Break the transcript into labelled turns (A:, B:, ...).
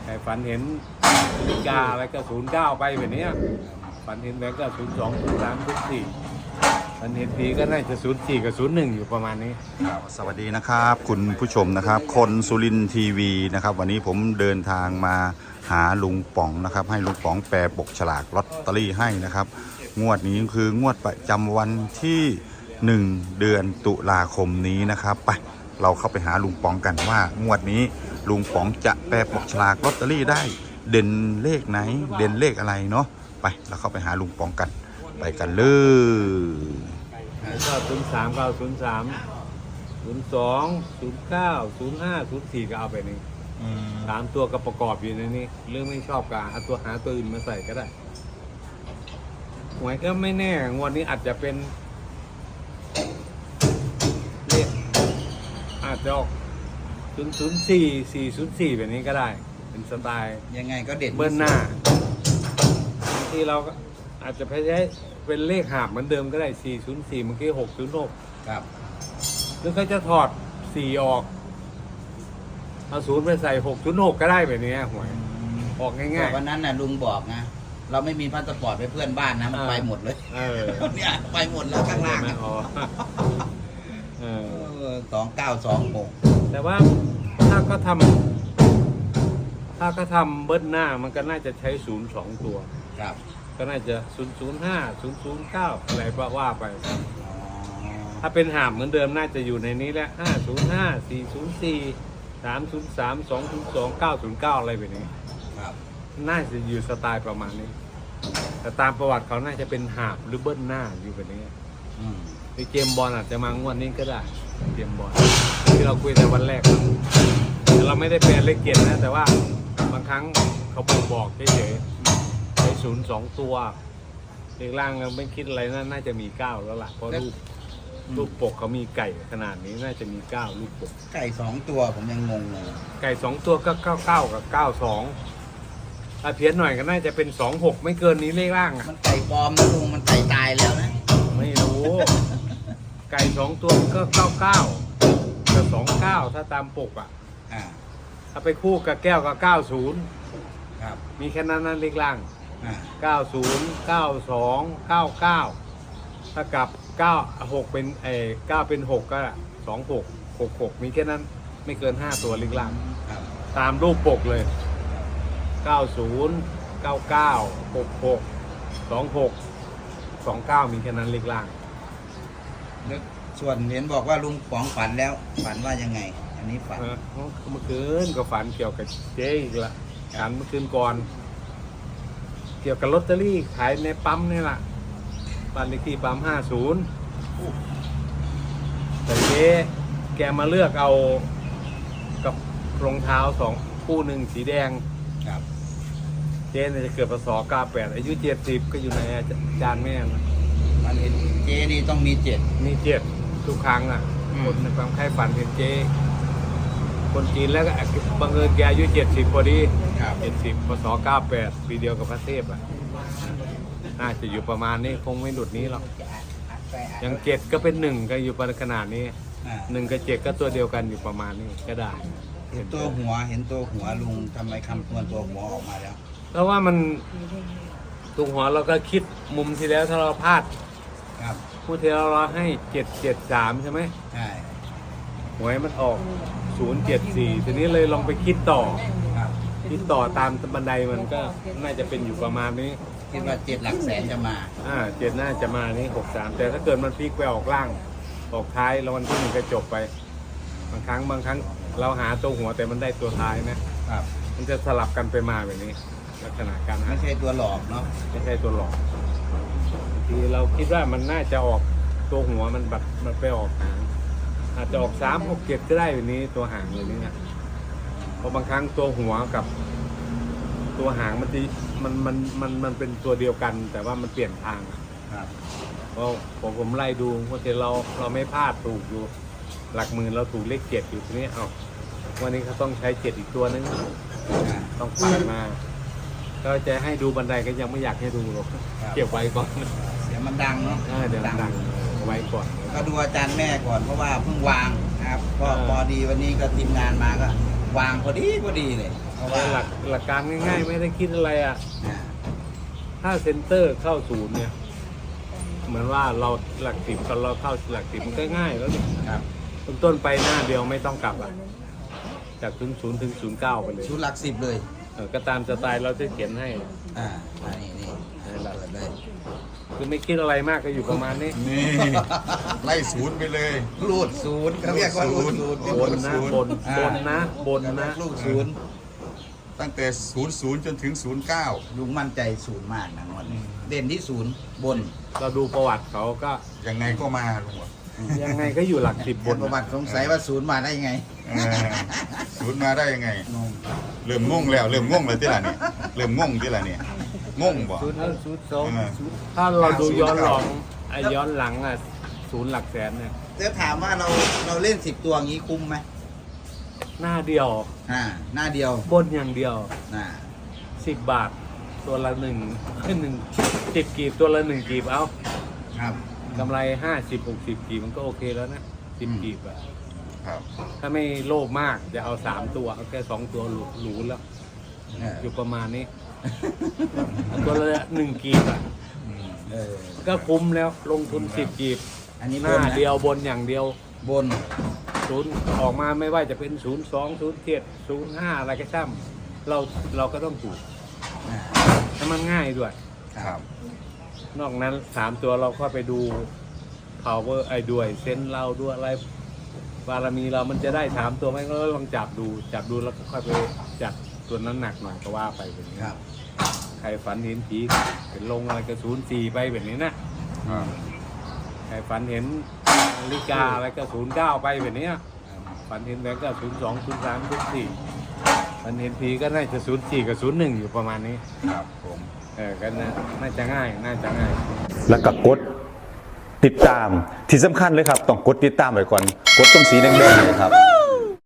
A: แต่ฝันเห็นนาฬิกาอะไรก็09ไปแบบนี้ฝันเห็นแบงก์ก็02 03 04ฝันเห็นผีก็น่าจะ04กับ01อยู่ประมาณนี้
B: สวัสดีนะครับคุณผู้ชมนะครับคนสุรินทร์ทีวีนะครับวันนี้ผมเดินทางมาหาลุงป๋องนะครับให้ลุงป๋องแปลปกฉลากลอตเตอรี่ให้นะครับงวดนี้คืองวดประจำวันที่1เดือนตุลาคมนี้นะครับไปเราเข้าไปหาลุงป๋องกันว่างวดนี้ลุงป๋องจะแปลปกฉลากลอตเตอรี่ได้เด่นเลขไหนเด่นเลขอะไรเนาะไปเราเข้าไปหาลุงป๋องกันไปกันเลย
A: ก็03 903 02 09 05 04ก็เอาไปนี่3ตัวก็ประกอบอยู่ในนี้เรื่องไม่ชอบก็เอาตัวหาตัวอื่นมาใส่ก็ได้หวยก็ไม่แน่งวดนี้อาจจะเป็นเลขอาจจะออก004 404แบบนี้ก็ได้เป็นสไตล์
C: ยังไงก็เด่น
A: เบิ้ลหน้าที่เราก็อาจจะใช้เป็นเลขหาบเหมือนเดิมก็ได้404เมื่อกี้606
C: ครับ
A: หรือเขาจะถอด4ออกเอา0ไปใส่606ก็ได้แบบนี้หวยออกง่าย
C: ๆวันนั้นน่ะลุงบอกนะเราไม่มีพาสปอร์ตไปเพื่อนบ้านนะมันไปหมดเลยเนี่ยไปหมดแล้วข้างล่าง2926
A: แต่ว่าถ้าก็ทำเบิ้ลหน้ามันก็น่าจะใช้0 2ตัว
C: ครับ
A: ก็น่าจะ005 009อะไรว่าไปถ้าเป็นหามเหมือนเดิมน่าจะอยู่ในนี้แหละ505 404 303 202 909อะไรแบบนี้น่าจะอยู่สไตล์ประมาณนี้แต่ตามประวัติเขาน่าจะเป็นหาบหรือเบิ้ลหน้าอยู่แบบนี้ในเกมบอลอาจจะมางวดนี้ก็ได้เกมบอลที่เราคุยในวันแรกแต่เราไม่ได้แปลเลขเกียรตินะแต่ว่าบางครั้งเขาบอกเฉยๆใช้02ตัวเลขล่างเราไม่คิดอะไรน่าจะมี9แล้วล่ะเพราะรูปปกเขามีไก่ขนาดนี้น่าจะมี9ลูกปก
C: ไก่2ตัวผมยังงงเลย
A: ไก่2ตัวก็99กับ92ถ้าเพี้ยนหน่อยก็น่าจะเป็น26ไม่เกินนี้เลขล่าง
C: มันไก่ปลอมนะลุงมันไก่ตายแล้วนะ
A: ไม่รู้ไก่2ตัวก็99กับ29ถ้าตามปกถ้าไปคู่กับแก้วก็90
C: ครับ
A: มีแค่นั้นเลขล่าง90 92 99ถ้ากับ6เป็น9เป็น6ก็26 66มีแค่นั้นไม่เกิน5ตัวเลขล่างตามรูปปกเลย90 99 66 26 29มีแค่นั้นเลขล่าง
C: ส่วนเห็นบอกว่าลุงป๋องฝันแล้วฝันว่ายังไงอันนี้ฝัน
A: เมื่อคืนก็ฝันเกี่ยวกับเจ๊อีกละฝันเมื่อคืนก่อนเกี่ยวกับลอตเตอรี่ขายในปั๊มนี่แหละบ้านเลขที่ปั๊ม50แต่เจ๊แกมาเลือกเอากับรองเท้า2คู่1สีแดง
C: ครับ
A: เจ๊จะเกิดพศ98อายุ70ก็อยู่ในจานแม่
C: มันเห็นเจ๊นี่ต้องมี
A: 7ทุกครั้งคนในความใครฝันเห็นเจ๊คนจีนแล้วก็บังเอิญแกอายุ70พอดี70พศ98ปีเดียวกับพระเทพน่าจะอยู่ประมาณนี้คงไม่หลุดนี้หรอกอย่าง7ก็เป็น1ก็อยู่ประมาณขนาดนี้1กับ7ก็ตัวเดียวกันอยู่ประมาณนี้ก็ได้
C: เห็นตัวหัวลุงทำไมคำนวณตัวหัวออกมาแล้ว
A: เพราะว่ามันตัวหัวเราก็คิดมุมที่แล้วถ้าเราพลาดพูดที่เราให้773ใช่ไหม
C: ใช่
A: หวยมันออก074ทีนี้เลยลองไปคิดต่อตามบันไดมันก็น่าจะเป็นอยู่ประมาณนี้
C: คิดว่า7หลักแสนจะมา
A: 7น่าจะมานี่63แต่ถ้าเกิดมันพลิกไปออกล่างออกท้ายแล้ววันที่1ก็จบไปบางครั้งเราหาตัวหัวแต่มันได้ตัวท้ายนะครับมันจะสลับกันไปมาแบบนี้ลักษณะการ
C: ไม่ใช่ตัวหลอกเนาะ
A: ไม่ใช่ตัวหลอกทีเราคิดว่ามันน่าจะออกตัวหัวมันแบบมันไปออกหางอาจจะออก3 6 7ก็ได้แบบนี้ตัวหางเลยนี่นะเพราะบางครั้งตัวหัวกับตัวหางมันเป็นตัวเดียวกันแต่ว่ามันเปลี่ยนทางเพราะผมไล่ดูว่าเราไม่พลาดถูกอยู่หลักหมื่นเราถูกเลข7อยู่ทีนี้วันนี้เขาต้องใช้7อีกตัวนึงต้องผ่านมาก็จะให้ดูบันไดก็ยังไม่อยากให้ดูหรอกเก็บไว้ก่อน
C: เดี๋ยวมันดังเนาะ
A: เดี๋ยวดังไว้ก่อน
C: ก็ดูอาจารย์แม่ก่อนเพราะว่าเพิ่งวางนะครับพอดีวันนี้ก็ทีมงานมาก็วางพอดีเลยเพราะว่า
A: หลักการง่ายๆ ไม่ได้คิดอะไรอ่ะ ถ้าเซ็นเตอร์เข้าศูนย์เนี่ย เหมือนว่าเราหลักสิบเราเข้าหลักสิบมันก็ง่ายแล้วนี่
C: ครับ
A: ต้นไปหน้าเดียวไม่ต้องกลับอ่ะจาก00ถึง09ไปเลย
C: ชุดหลัก10เลย
A: ก็ตามสไตล์เราจะเขียนให้
C: นี่เปิดเลย
A: คือไม่คิดอะไรมากก็อยู่ประมาณนี้
B: นี่ไล่ศูนย์ไปเลย
C: รูดศูนย์เขาเรียกว่ารูดศูนย์
A: บนนะบนนะ
C: รูดศูนย์
B: ตั้งแต่00จนถึง09
C: ลุงมั่นใจศูนย์มากนะวันนี้เด่นที่ศูนย์บน
A: เราดูประวัติเขาก็
B: ยังไงก็มาลุงบอก
A: ยังไงก็อยู่หลักสิบบน
C: ประวัติสงสัยว่าศูนย์มาได้ยังไง
B: ศูนย์มาได้ยังไง
C: งง
B: เริ่มงงแล้วที่ละเนี่ยเริ่มงงที่ละเนี่ยงงบ่
A: ศูนย์สอง
B: อ่า
A: ถ้าเราดูย้อนหลังย้อนหลังอ่ะศูนย์หลักแสนเนี่ย
C: แล้วถามว่าเราเล่น10 ตัวอย่างนี้คุ้มไหม
A: หน้าเดียว
C: หน้าเดียว
A: บนอย่างเดียว 10 บาท ตัวละ10 กีบตัวละ1 กีบเอา
C: ครับ
A: กำไร50-60 กีบมันก็โอเคแล้วนะ10 กีบอะ
B: ครับ
A: ถ้าไม่โลภมากจะเอา3 ตัวเอาแค่2 ตัวหรูแล้ว อยู่ประมาณนี้ ตัวละ1 กีบอ่ะก็คุ้มแล้วลงทุน10 กีบ
C: อันนี้
A: ห
C: บ
A: น้าน
C: นะ
A: เดียวบนอย่างเดียว
C: บน
A: ศูนย์ออกมาไม่ว่าจะเป็น02 07 05อะไรก็ช่ำเราก็ต้องถูกถ้ามันง่ายด้วย
B: ครับ
A: นอกนั้น3 ตัวเราก็ไปดู power ไอ้ด้วยเซนเราด้วยอะไรบารมีเรามันจะได้3 ตัวไหมก็ลองจับดูแล้วก็ค่อยไปจัดตัวนั้นหนักหน่อยก็ว่าไปแบบนี้
C: ครับ
A: ใครฝันเห็นผีเป็นลงอะไรก็04ไปแบบนี้นะใครฝันเห็นนาฬิกาอะไรก็09ไปแบบนี้ฝันเห็นแบงก์ก็02 03 04ฝันเห็นผีก็น่าจะ04กับ01อยู่ประมาณนี้
B: ครับผม
A: ก็น่าจะง่าย
D: แล้วก็กดติดตามที่สำคัญเลยครับ ต้องกดติดตามไว้ก่อน กดตรงสีแดงๆเลยครับ